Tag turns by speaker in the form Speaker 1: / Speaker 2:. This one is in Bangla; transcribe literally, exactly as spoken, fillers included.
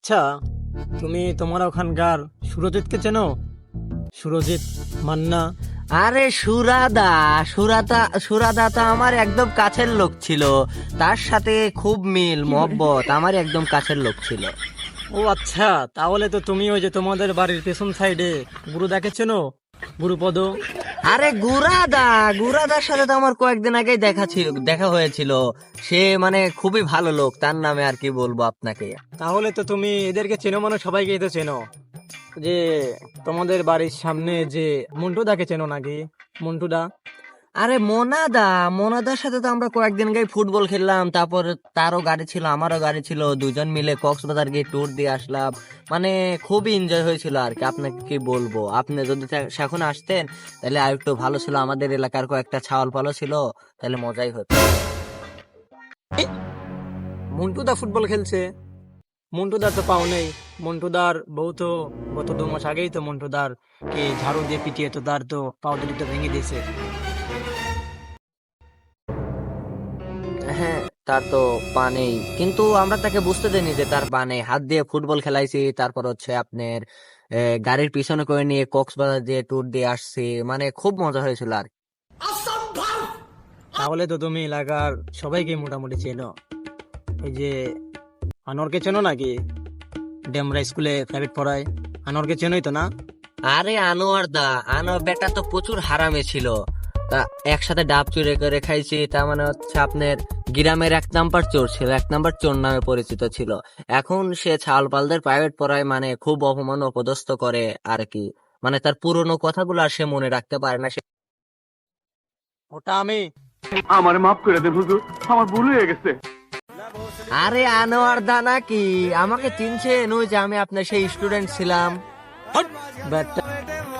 Speaker 1: আচ্ছা, তুমি তোমার ওখানকার সুরজিৎকে চেনো? সুরজিৎ মান্না।
Speaker 2: আরে সুরাদা, সুরাদা সুরাদা তো আমার একদম কাছের লোক ছিল। তার সাথে খুব মিল মহব্বত, আমার একদম কাছের লোক ছিল।
Speaker 1: ও আচ্ছা, তাহলে তো তুমি ওই যে তোমাদের বাড়ির পেছন সাইডে গুরুদাকে চেনো? গুরুপদ।
Speaker 2: আরে গুরাদা, গুরাদার সাথে তো আমার কয়েকদিন আগেই দেখা ছিল, দেখা হয়েছিল। সে মানে খুবই ভালো লোক, তার নামে আর কি বলবো আপনাকে।
Speaker 1: তাহলে তো তুমি এদেরকে চেনো, মানে সবাইকেই তো চেনো। যে তোমাদের বাড়ির সামনে যে মন্টুদাকে চেনো নাকি? মন্টুদা।
Speaker 2: আরে মোনাদা, মোনাদার সাথে তো আমরা কয়েকদিন আগে ফুটবল খেললাম, তারপর তারও গাড়ি ছিল আমারও গাড়ি ছিল, দুজন মিলে কক্সবাজার গিয়ে ট্যুর দিয়ে আসলাম। মানে খুবই এনজয় হয়েছিল আর কি। আপনাকে কি বলবো, আপনি যদি তা- এখন আসতেন তাহলে আর একটু ভালো ছিল। আমাদের এলাকার কয়েকটা ছাওয়াল পালো ছিল, তাহলে মজাই হতো।
Speaker 1: মন্টুদা ফুটবল খেলছে? মন্টুদা তো পাও নেই। মন্টুদার বউ তো গত দু মাস আগেই তো মন্টুদার কে ঝাড়ু দিয়ে পিটিয়ে তো তার তো পাউডারিটা ভেঙে দিয়েছে।
Speaker 2: হ্যাঁ, তার তো পা নেই, কিন্তু আমরা তাকে বুঝতে দেইনি যে তার পা নেই। হাত দিয়ে ফুটবল খেলাইছি, তারপর হচ্ছে আপনার আহ, গাড়ির পিছনে করে নিয়ে কক্সবাজার দিয়ে ট্যুর দিয়ে আসছি। মানে খুব মজা হয়েছিল আর কি।
Speaker 1: তাহলে তো তুমি এলাকার সবাইকে মোটামুটি চেনো। ওই যে আনোয়ারকে চেনো নাকি? ডেমরা স্কুলে প্রাইভেট পড়ায়। আনোয়ারকে চেনোই তো না?
Speaker 2: আরে আনোয়ার দা, আনোয়ার বেটা তো প্রচুর হারামে ছিল। তা একসাথে ডাব চুরি করে খাইছি। তার মানে হচ্ছে আপনার গ্রামের এক নাম্বার চোর ছিল, এক নাম্বার চোর নামে পরিচিত ছিল। এখন সে ছালপালদের প্রাইভেট পড়ায়, মানে খুব অপমান অপদস্থ করে আর কি। মানে তার পুরনো কথাগুলো আর সে মনে রাখতে পারে না। সে
Speaker 1: ওটা আমি।
Speaker 3: আমার মাফ করে দেন হুজুর, আমার ভুল হয়ে গেছে।
Speaker 2: আরে আনোয়ার দা নাকি আমাকে চিনছেন? ওই যে আমি আপনার সেই স্টুডেন্ট ছিলাম।
Speaker 1: ব্যাটটা